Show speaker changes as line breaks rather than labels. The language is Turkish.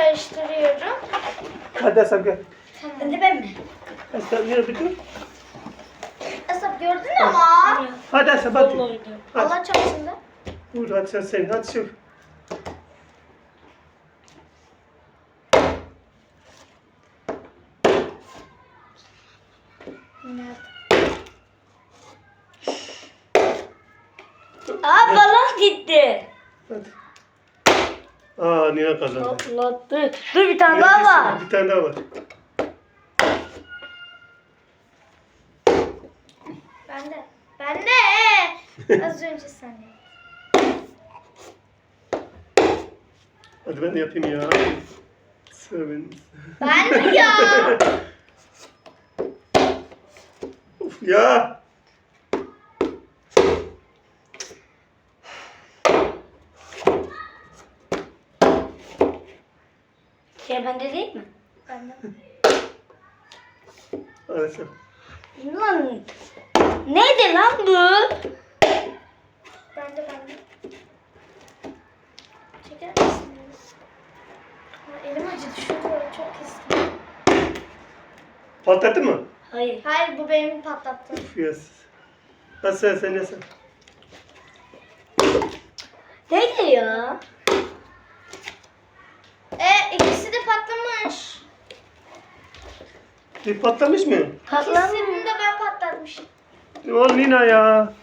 karıştırıyorum.
Hadi Asap gel.
Hadi ben mi?
Asap yürü bir dur.
Asap gördün ama.
Hadi Asap hadi.
Vallahi.
Hadi.
Allah çarpsın da.
Vur hadi sen. Hadi sür.
Aa balon gitti.
Hadi. Aa Nina kazandı.
Patlattı. Dur bir tane daha var.
Bir tane daha var.
Ben de. Az önce sen.
Hadi ben de yapayım ya. Sıra benim.
Ben mi ya?
Of ya.
Şey bende değil mi?
Ben de.
Hadi Asap.
Lan neydi lan bu?
Ben de. Çeker misiniz? Aa, elim acıdı. Şurada çok kestim.
Patlattı mı?
Hayır.
Hayır bu benim patlattı.
Of yes. Hadi sen ne sen?
Neydi ya?
İkisi de patlamış.
Bir patlamış mı?
Patladı.
İkisini de ben patlatmışım.
O Nina ya.